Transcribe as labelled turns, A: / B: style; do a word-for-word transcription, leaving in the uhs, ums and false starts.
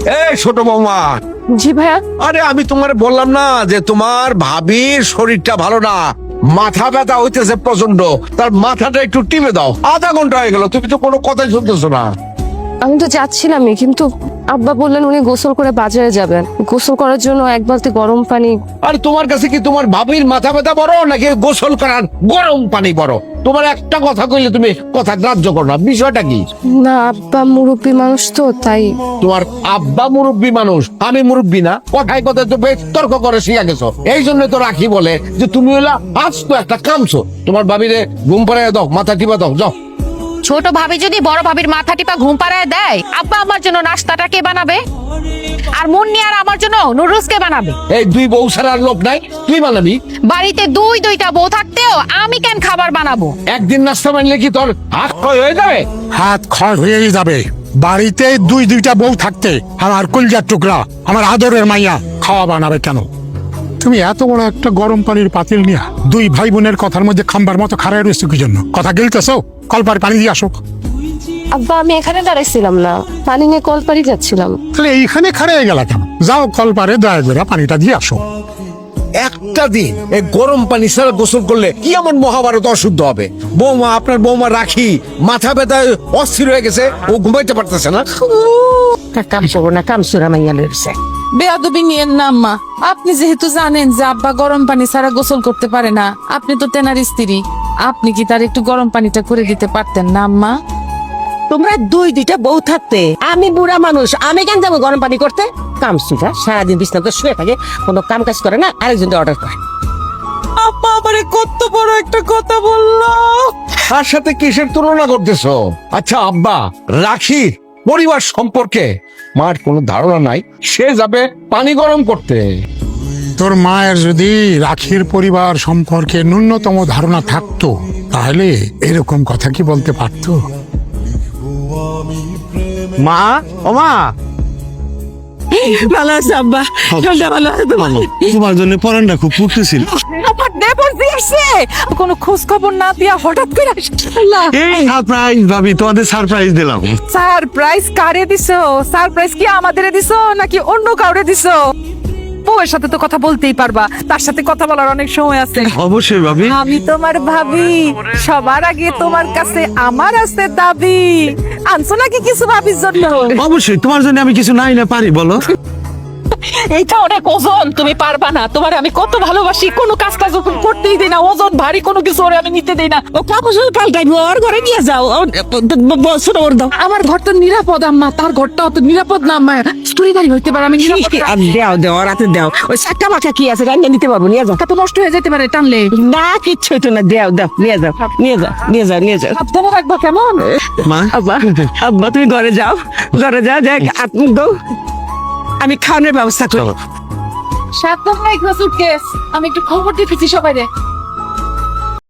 A: এই ছোট বৌমা।
B: জি ভাইয়া।
A: আরে আমি তোমার বললাম না যে তোমার ভাবির শরীরটা ভালো না, মাথা ব্যথা হইতেছে প্রচন্ড, তার মাথাটা একটু টিপে দাও। আধা ঘন্টা হয়ে গেল, তুমি তো কোনো কথাই শুনতেছো না।
B: আমি তো যাচ্ছিলামই, কিন্তু আব্বা বললেন উনি গোসল করে বাজারে যাবেন, গোসল করার জন্য এক বালতি গরম পানি।
A: আর তোমার কাছে কি তোমার ভাবির মাথা ব্যথা বড় নাকি গোসল করার গরম পানি বড়? তোমার একটা কথা কইলে তুমি কথা গ্রাহ্য করো না, বিষয়টা কি?
B: না আব্বা মুরব্বী মানুষ তো তাই।
A: তোমার আব্বা মুরব্বী মানুষ, আমি মুরব্বী না? কথায় কথায় তো বেশ তর্ক করে শিখা গেছো। এই জন্য তো রাখি বলে যে তুমি হইলা আজ তো একটা কামছো। তোমার ভাবিরে ঘুম পাড়ায় দাও, মাথা টিপা দাও, যাও।
C: ছোট ভাবি যদি বড় ভাবির মাথা টিপা ঘুম পাড়ায় দেয়, আব্বা আমার জন্য নাস্তাটা কে বানাবে? আর মুন্নি আর আমার জন্য নুডলস কে বানাবে?
A: এই দুই বউ ছাড়ার লোক নাই, তুই বানাবি?
C: বাড়িতে দুই দুইটা বউ থাকতেও আমি কেন খাবার বানাবো?
A: একদিন নাস্তা বানলে কি তোর হাত ক্ষয় হয়ে যাবে?
D: হাত খড় হয়েই যাবে। বাড়িতে দুই দুইটা বউ থাকতে আমার কলজার টুকরা, আমার আদরের মাইয়া খাওয়া বানাবে কেন? তুমি এত বড় একটা গরম পানির পাতিল নিয়া দুই ভাই বোনের কথার মধ্যে খাম্বার মতো খাড়ায় রয়েছে কি জন্য? কথা গিলতেছো? কলপার পানি দিয়ে আসো।
B: আব্বা আমি এখানে দাঁড়াইছিলাম না, পানি নিয়ে কলপাড়ি যাচ্ছিলাম।
D: তাহলে এইখানে খাড়ায় গেলা কেন? যাও কলপারে দয়া করে পানিটা দিয়ে আসো।
A: একটা দিন এই গরম পানি ছাড়া গোসল করলে কি এমন মহাভারত অশুদ্ধ হবে? বৌমা, আপনার বৌমা রাখি মাথা ব্যথায় অস্থির হয়ে গেছে, ও ঘুমাইতে পারতেছে না।
E: কাম করবো না, কাম সুরা মাইয়া লড়ছে।
F: বেয়াদবি নিয়েন না আম্মা। আপনি যেহেতু জানেন যে আব্বা গরম পানি ছাড়া গোসল করতে পারে না, আপনি তো তেনার স্ত্রী, আপনি কি তার একটু গরম পানিটা করে দিতে পারতেন না আম্মা?
E: তোমরা দুই দুইটা বউ থাকতে আমি বুড়া মানুষ, আমি কেন যাবো গরম পানি করতে? কাম সুরা সারাদিন বিছনাতে শুয়ে থাকে, কোনো কাম কাজ করে না, আরেকজন অর্ডার করে।
F: আব্বা আমারে কত বড় একটা কথা বললো।
A: তার সাথে কিসের তুলনা করতেছো? আচ্ছা আব্বা, রাখি পরিবার সম্পর্কে মার কোনো ধারণা নাই, সে যাবে পানি গরম করতে।
D: তোর মায়ের যদি রাখির পরিবার সম্পর্কে ন্যূনতম ধারণা থাকতো তাহলে এরকম কথা কি বলতে পারতো?
A: মা, ও মা,
E: ভালো আছে আব্বা, ঠান্ডা ভালো আছে তো?
G: তোমার জন্য পরানটা খুব পুড়তেছিল।
F: আমার দেবর দিয়েছে, কোনো খোঁজ খবর না দিয়া হঠাৎ করে আসলা।
G: এই সারপ্রাইজ ভাবি, তোমাদের সারপ্রাইজ দিলাম।
F: সারপ্রাইজ কারে দিছো? সারপ্রাইজ কি আমাদের দিছো নাকি অন্য কাউরে দিছো? বউয়ের সাথে তো কথা বলতেই পারবা, তার সাথে কথা বলার অনেক সময় আছে।
G: অবশ্যই ভাবি।
F: আমি তোমার ভাবি, সবার আগে তোমার কাছে আমার আছে দাবি। আনছো নাকি কিছু ভাবির জন্য?
G: অবশ্যই তোমার জন্য আমি কিছু নাই না পারি, বলো।
F: এইটা অনেক ওজন, তুমি পারবা না। তোমার আমি কত ভালোবাসি, কোনো কাজ কাজ করতেই দেই না, ওজন ভারী কোনো কিছু ওরে আমি নিতে দেই না।
E: ও কাপড় পাল্টাইবো, ওর ঘরে নিয়ে যাও, ছোট ওর দাও।
F: আমার ঘর তো নিরাপদ আম্মা, তার ঘরটা অত নিরাপদ না আম্মা, স্টোরিদারি হইতে পারে। আমি নিরাপদ না।
E: আর দেও দেও, রাতে দেও। ওই চাক্কা মাক্কা কি আছে রান্না নিতে পারবো, নিয়ে যাও।
F: তা তো নষ্ট হয়ে যেতে পারে টানলে।
E: না কিচ্ছু হইতো না, দেও দেও, নিয়ে যাও, নিয়ে যাও, নিয়ে যাও, নিয়ে যাও।
F: সাবধানে রাখবা কেমন?
G: মা,
E: আব্বা, আব্বা তুমি ঘরে যাও, ঘরে যাও, দেখ আপনি দাও, আমি খাওয়ানোর ব্যবস্থা করি।
F: সাবধানে রাখবা সুটকেস। আমি একটু খবর দিতেছি সবাই রে।